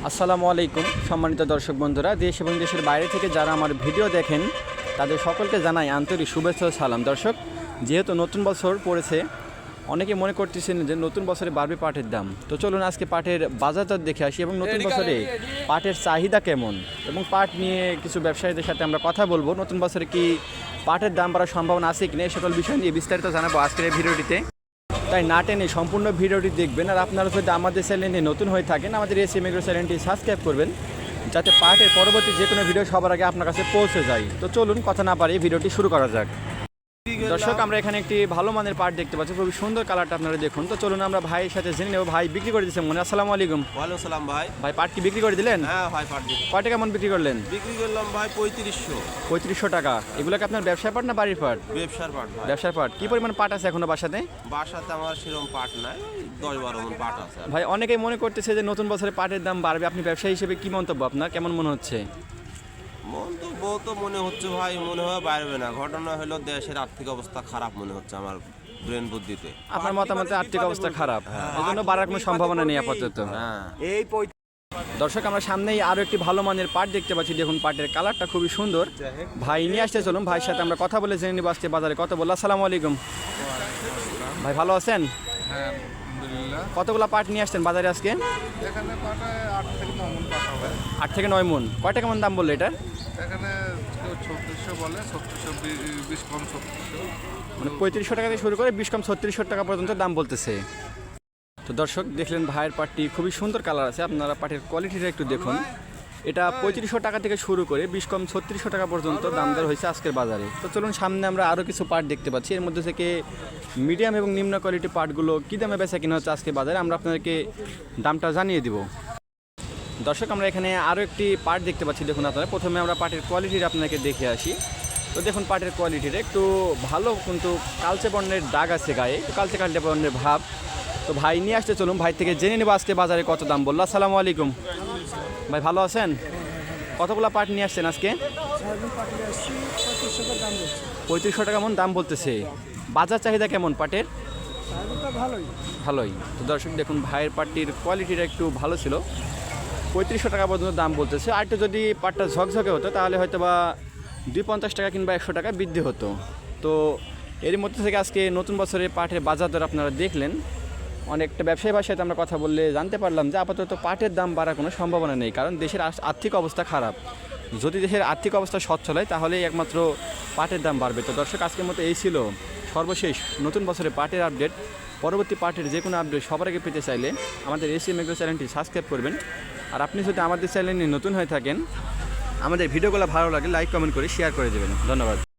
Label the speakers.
Speaker 1: আসসালামু আলাইকুম সম্মানিত দর্শক বন্ধুরা, দেশ এবং দেশের বাইরে থেকে যারা আমার ভিডিও দেখেন তাদের সকলকে জানাই আন্তরিক শুভেচ্ছা ও সালাম। দর্শক, যেহেতু নতুন বছর পড়েছে, অনেকে মনে করতেছেন যে নতুন বছরে বাড়বে পাটের দাম। তো চলুন আজকে পাটের বাজারদর দেখে আসি এবং নতুন বছরে পাটের চাহিদা কেমন এবং পাট নিয়ে কিছু ব্যবসায়ীদের সাথে আমরা কথা বলবো। নতুন বছরে কি পাটের দাম বাড়ার সম্ভাবনা আছে কিনা, এই সকল বিষয় নিয়ে বিস্তারিত জানাবো আজকের এই ভিডিওটিতে। তাই না টেনে সম্পূর্ণ ভিডিওটি দেখবেন। আর আপনারা যদি আমাদের চ্যানেলে নতুন হয়ে থাকেন, আমাদের এসএম এগ্রো চ্যানেলটি সাবস্ক্রাইব করবেন, যাতে পাটের পরবর্তী যে কোনো ভিডিও সবার আগে আপনার কাছে পৌঁছে যায়। তো চলুন কথা না পারি ভিডিওটি শুরু করা যাক। দর্শক, আমরা এখানে একটি ভালো মানের পাট দেখতে পাচ্ছি, খুবই সুন্দর কালারটা আপনারা দেখুন। তো চলুন আমরা ভাইয়ের সাথে জেনে নেব। ভাই বিক্রি করে দিচ্ছেন মনে? আসসালামু আলাইকুম।
Speaker 2: ওয়ালাইকুম সালাম ভাই।
Speaker 1: ভাই পাট কি বিক্রি করে দিলেন?
Speaker 2: হ্যাঁ ভাই, পাট
Speaker 1: কয় টাকা কেমন বিক্রি করলেন?
Speaker 2: বিক্রি করলাম ভাই 3500।
Speaker 1: 3500 টাকা। এগুলো কি আপনার ব্যবসার পাট না বাড়ির পাট?
Speaker 2: ব্যবসার পাট ভাই।
Speaker 1: ব্যবসার পাট। কি পরিমাণ পাট আছে এখনো বাসাতে?
Speaker 2: বাসাতে আমার সেরকম পাট নাই, 10-12 মণ পাট আছে।
Speaker 1: ভাই অনেকেই মনে করতেছে যে নতুন বছরে পাটের দাম বাড়বে, আপনি ব্যবসায়ী হিসেবে কি মন্তব্য আপনার, কেমন মনে হচ্ছে?
Speaker 2: মন্তব্য তো মনে হচ্ছে ভাই, মনে হয় বাড়বে না। ঘটনা হলো দেশের আর্থিক অবস্থা খারাপ মনে হচ্ছে আমার ব্রেন বুদ্ধিতে।
Speaker 1: আপনার মতামতে আর্থিক অবস্থা খারাপ, এই জন্য বাড়ার কোনো সম্ভাবনা নেই আপাতত।
Speaker 2: হ্যাঁ।
Speaker 1: দর্শক, আমরা সামনেই আরো একটি ভালো মানের পাট দেখতে পাচ্ছি। দেখুন পাটের কালারটা খুবই সুন্দর। ভাই নিয়ে আসতে চলুন, ভাইয়ের সাথে আমরা কথা বলে জেনে নিব আজকে বাজারে কত বললো। আসসালামু আলাইকুম ভাই, ভালো আছেন?
Speaker 3: হ্যাঁ, আলহামদুলিল্লাহ।
Speaker 1: কতগুলো পাট নিয়ে আসছেন বাজারে আজকে?
Speaker 3: এখানে পাটা 8 থেকে 9 মণ পাট হবে।
Speaker 1: 8 থেকে 9 মণ। কয় টাকা কেমন দাম বললো এটা?
Speaker 3: এখানে কেউ 3600 বলে, 3620 কম 3600।
Speaker 1: মানে 3500 টাকা থেকে শুরু করে 20 কম 3600 টাকা পর্যন্ত দাম বলতেছে। তো দর্শক, দেখলেন ভাইয়ের পাটটি খুবই সুন্দর কালার আছে। আপনারা পাটের কোয়ালিটিটা একটু দেখুন। এটা 3500 টাকা থেকে শুরু করে 20 কম 3600 টাকা পর্যন্ত দাম দর হয়েছে আজকের বাজারে। তো চলুন সামনে আমরা আরও কিছু পাট দেখতে পাচ্ছি। এর মধ্যে থেকে মিডিয়াম এবং নিম্ন কোয়ালিটি পাটগুলো কী দামে বেচা কিনা হচ্ছে আজকে বাজারে, আমরা আপনাদেরকে দামটা জানিয়ে দিব। দর্শক, আমরা এখানে আরও একটি পাট দেখতে পাচ্ছি। দেখুন আপনারা, প্রথমে আমরা পাটের কোয়ালিটিটা আপনাকে দেখে আসি। তো দেখুন পাটের কোয়ালিটিটা একটু ভালো, কিন্তু কালচে বর্ণের দাগ আছে গায়ে, একটু কালচে কালচে বর্ণের ভাব। তো ভাই নিয়ে আসতে চলুন, ভাই থেকে জেনে নেব আজকে বাজারে কত দাম বললো। আসসালামু আলাইকুম ভাই, ভালো আছেন? কতগুলো পাট নিয়ে আসছেন আজকে? 3500 টাকা মন দাম বলতেছে। বাজার চাহিদা কেমন পাটের? ভালোই। তো দর্শক দেখুন, ভাইয়ের পাটটির কোয়ালিটিটা একটু ভালো ছিল, 3500 টাকা পর্যন্ত দাম বলতেছে। আর একটু যদি পাটটা ঝকঝকে হতো তাহলে হয়তো বা 250 টাকা কিংবা 100 টাকা বৃদ্ধি হতো। তো এর মধ্যে থেকে আজকে নতুন বছরের পাটের বাজার দর আপনারা দেখলেন। অনেকটা ব্যবসায়ী ভাষায় আমরা কথা বললে জানতে পারলাম যে আপাতত পাটের দাম বাড়ার কোনো সম্ভাবনা নেই, কারণ দেশের আর্থিক অবস্থা খারাপ। যদি দেশের আর্থিক অবস্থা সচ্ছল হয় তাহলেই একমাত্র পাটের দাম বাড়বে। তো দর্শক, আজকের মতো এই ছিল সর্বশেষ নতুন বছরে পাটের আপডেট। পরবর্তী পাটের যে কোনো আপডেট সবার আগে পেতে চাইলে আমাদের এসএম এগ্রো চ্যানেলটি সাবস্ক্রাইব করবেন। আর আপনি যদি আমাদের চ্যানেলে নতুন হয়ে থাকেন, আমাদের ভিডিওগুলো ভালো লাগে লাইক কমেন্ট করে শেয়ার করে দেবেন। ধন্যবাদ।